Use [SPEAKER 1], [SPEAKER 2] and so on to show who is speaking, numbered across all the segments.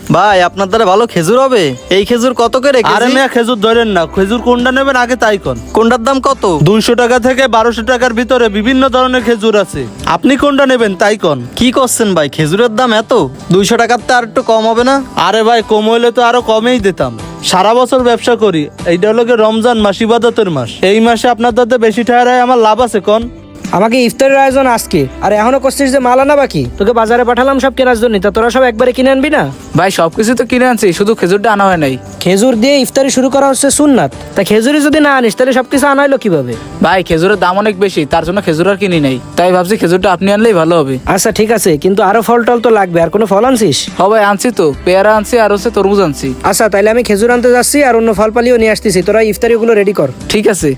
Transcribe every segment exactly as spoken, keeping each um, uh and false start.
[SPEAKER 1] ভাই আপনার দ্বারা ভালো খেজুর হবে? এই খেজুর কত করে কেজি?
[SPEAKER 2] আরে মিয়া খেজুর ধরেন না, খেজুর কোনটা নেবেন আগে তাই কোন।
[SPEAKER 1] কোনটার দাম কত?
[SPEAKER 2] দুইশো টাকা থেকে বারোশো টাকার ভিতরে বিভিন্ন ধরনের খেজুর আছে, আপনি কোনটা নেবেন তাই কোন।
[SPEAKER 1] কি করছেন ভাই, খেজুরের দাম এত? দুইশো টাকার তো আর একটু কম হবে না?
[SPEAKER 2] আরে ভাই কম হইলে তো আরো কমেই দিতাম। সারা বছর ব্যবসা করি, এইটা হলো গিয়ে রমজান মাস, ইবাদতের মাস। এই মাসে আপনার দাদা বেশি ঠায় আমার লাভ আছে কোন।
[SPEAKER 3] আমাকে ইফতারের আয়োজন আজকে, আর এখনো করছিস যে মাল আনা বাকি। তোকে বাজারে পাঠালাম সব কেনার জন্য, তা তোরা সব একবারে কিনে আনবি না?
[SPEAKER 4] ভাই সবকিছু তো কিনে আনছি, শুধু খেজুরটা আনা হয় নাই।
[SPEAKER 3] খেজুর দিয়ে ইফতারি শুরু করা হচ্ছে সুন্নাত, তা খেজুরি যদি না আনিস তাহলে সবকিছু আনা হলো কিভাবে?
[SPEAKER 4] ভাই খেজুরের দাম অনেক বেশি, তার জন্য খেজুর আর কিনি নাই, তাই ভাবছি খেজুরটা আপনি আনলেই ভালো হবে।
[SPEAKER 3] আচ্ছা ঠিক আছে, কিন্তু আরো ফল টল তো লাগবে। আর কোনো ফল আনছিস?
[SPEAKER 4] হ ভাই আনছি তো, পেয়ারা আনছি আর হচ্ছে তরমুজ আনছি।
[SPEAKER 3] আচ্ছা তাইলে আমি খেজুর আনতে যাচ্ছি, আর অন্য ফল পালিও নিয়ে আসতেছি। তোরা ইফতারি ওগুলো রেডি কর।
[SPEAKER 4] ঠিক আছে।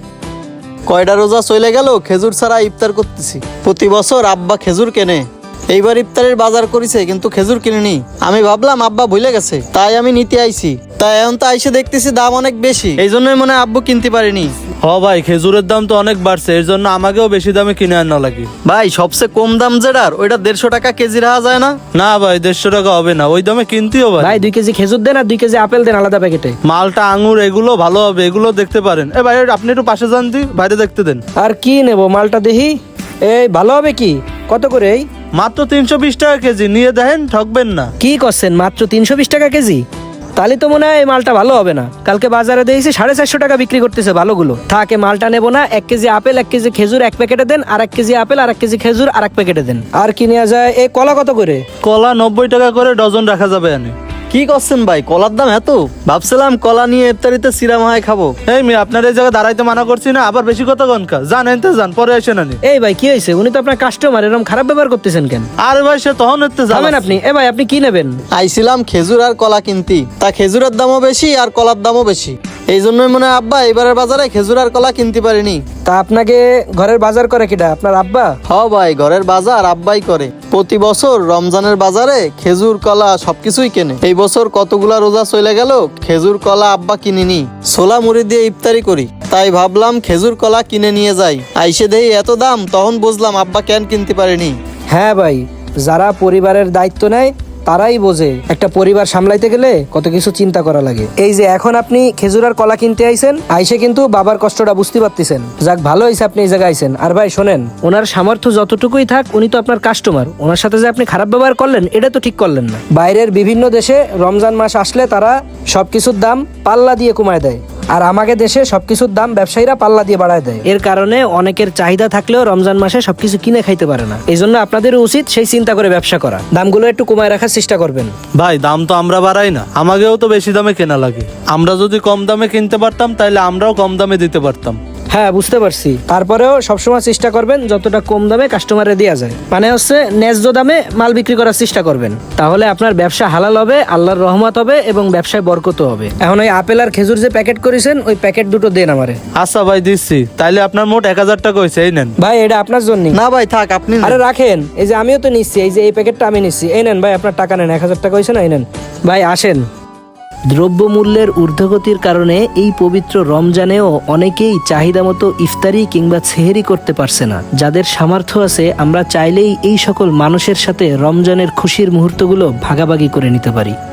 [SPEAKER 1] কয়টা রোজা চলে গেল খেজুর ছাড়া ইফতার করতেছি। প্রতি বছর আব্বা খেজুর কেনে, এইবার ইফতারের বাজার করেছে কিন্তু খেজুর কিনিনি। আমি ভাবলাম আব্বা ভুলে গেছে, তাই আমি নিতে আইছি। তাই এখন তো আইসে দেখতেছি দাম অনেক বেশি, এই জন্যই মনে হয় আব্বু কিনতে পারিনি।
[SPEAKER 2] হ ভাই খেজুরের দাম তো অনেক বাড়ছে, এর জন্য আমাকেও বেশি দামে কিনে আনা লাগে।
[SPEAKER 1] ভাই সবচেয়ে কম দাম যেটার, ওইটা দেড়শো টাকা কেজি রাখা যায় না?
[SPEAKER 2] না ভাই দেড়শো টাকা হবে না, ওই দামে কিনতেও ভাই।
[SPEAKER 3] ভাই দুই কেজি খেজুর দেন আর দুই কেজি আপেল দেন আলাদা প্যাকেটে।
[SPEAKER 2] মালটা আঙুর এগুলো ভালো হবে, এগুলো দেখতে পারেন। এ ভাই আপনি একটু পাশে যান দি, বাইরে দেখতে দেন।
[SPEAKER 3] আর কি নেবো মালটা দেখি। এই ভালো হবে কি? কত করে? এই
[SPEAKER 2] মাত্র তিনশো বিশ টাকা কেজি, নিয়ে দেখেন ঠকবেন না।
[SPEAKER 3] কি করছেন, মাত্র তিনশো বিশ টাকা কেজি? তাহলে তো মনে হয় এই মালটা ভালো হবে না। কালকে বাজারে দেখেছি সাড়ে চারশো টাকা বিক্রি করতেছে ভালোগুলো। থাকে মালটা নেবো না। এক কেজি আপেল, এক কেজি খেজুর এক প্যাকেটে দেন, আর এক কেজি আপেল আর এক কেজি খেজুর আর এক প্যাকেটে দেন। আর কি নেওয়া যায়? এই কলা কত করে?
[SPEAKER 2] কলা নব্বই টাকা করে ডজন রাখা যাবে এনে।
[SPEAKER 1] কি করছেন ভাই, কলার দাম এত? ভাবছিলাম কলা নিয়ে ইফতারিতে সিরা মাহাই খাবো।
[SPEAKER 2] এই মেয়ে আপনার এই জায়গায় দাঁড়াইতে মানা করছি না, আবার বেশি কথা কনকা। যান এনতে যান, পরে এসে নানি।
[SPEAKER 3] এই ভাই কি হয়েছে? উনি তো আপনার কাস্টমার, এরকম খারাপ ব্যবহার করতেছেন কেন?
[SPEAKER 2] আরে ভাই সে তখন এতে
[SPEAKER 3] যাবেন
[SPEAKER 2] যাবেন
[SPEAKER 3] আপনি? এ ভাই আপনি কি নেবেন?
[SPEAKER 1] আইছিলাম খেজুর আর কলা কিনতি, তা খেজুরের দামও বেশি আর কলার দামও বেশি, এই জন্যই মনে হয় আব্বা এবারের বাজারে খেজুর আর কলা কিনতে পারিনি।
[SPEAKER 3] তা আপনাকে ঘরের বাজার করে কিটা? আপনার আব্বা?
[SPEAKER 1] হ ভাই, ঘরের বাজার আব্বাই করে। প্রতি বছর রমজানের বাজারে খেজুর কলা সবকিছুই কেনে। এই বছর কতগুলা রোজা চলে গেল খেজুর কলা আব্বা কিনিনি, ছোলা মুড়ি দিয়ে ইফতারি করি। তাই ভাবলাম খেজুর কলা কিনে নিয়ে যাই। আইসে দেই এত দাম, তখন বুঝলাম আব্বা কেন কিনতে পারেনি।
[SPEAKER 3] হ্যাঁ ভাই, যারা পরিবারের দায়িত্ব নেয় তারাই বোঝে একটা পরিবার সামলাইতে গেলে কত কিছু চিন্তা করা লাগে। এই যে এখন আপনি খেজুর আর কলা কিনতে আইছেন, আইসে কিন্তু বাবার কষ্টটা বুঝতে পারতেছেন। যাক ভালো হয়েছে আপনি এই জায়গায় আইছেন। আর ভাই শোনেন, ওনার সামর্থ্য যতটুকুই থাক, উনি তো আপনার কাস্টমার। ওনার সাথে যে আপনি খারাপ ব্যবহার করলেন, এটা তো ঠিক করলেন না। বাইরের বিভিন্ন দেশে রমজান মাস আসলে তারা সবকিছুর দাম পাল্লা দিয়ে কমায় দেয়, আর আমাদের দেশে সবকিছুর দাম ব্যবসায়ীরা পাল্লা দিয়ে বাড়ায় দেয়। এর কারণে অনেকের চাহিদা থাকলেও রমজান মাসে সবকিছু কিনে খাইতে পারে না। এই জন্য আপনাদের উচিত সেই চিন্তা করে ব্যবসা করা, দামগুলো একটু কমায় রাখার চেষ্টা করবেন।
[SPEAKER 2] ভাই দাম তো আমরা বাড়াই না, আমাকেও তো বেশি দামে কেনা লাগে। আমরা যদি কম দামে কিনতে পারতাম তাহলে আমরাও কম দামে দিতে পারতাম।
[SPEAKER 3] হ্যাঁ বুঝতে পারছি, তারপরেও সবসময় চেষ্টা করবেন যতটা কম দামে কাস্টমারে দেওয়া যায়, মানে হচ্ছে ন্যায্য দামে মাল বিক্রি করার চেষ্টা করবেন। তাহলে আপনার ব্যবসা হালাল হবে, আল্লাহর রহমত হবে এবং ব্যবসায় বরকত হবে। এখন ওই আপেল আর খেজুর যে প্যাকেট করেছেন, ওই প্যাকেট দুটো দেন আমারে।
[SPEAKER 2] আচ্ছা ভাই দিচ্ছি, তাইলে আপনার মোট এক হাজার টাকা হয়েছে, এই নেন।
[SPEAKER 3] ভাই এটা আপনার জন্য
[SPEAKER 1] না ভাই থাক, আপনি নেন।
[SPEAKER 3] আরে রাখেন, এই যে আমিও তো নিচ্ছি, এই যে এই প্যাকেটটা আমি নিচ্ছি। এই নেন ভাই আপনার টাকা নেন, এক হাজার টাকা হয়েছে না, এই নেন ভাই। আসেন। দ্রব্যমূল্যের ঊর্ধ্বগতির কারণে এই পবিত্র রমজানেও অনেকেই চাহিদা মতো ইফতারি কিংবা সেহেরি করতে পারছে না। যাদের সামর্থ্য আছে, আমরা চাইলেই এই সকল মানুষের সাথে রমজানের খুশির মুহূর্তগুলো ভাগাভাগি করে নিতে পারি।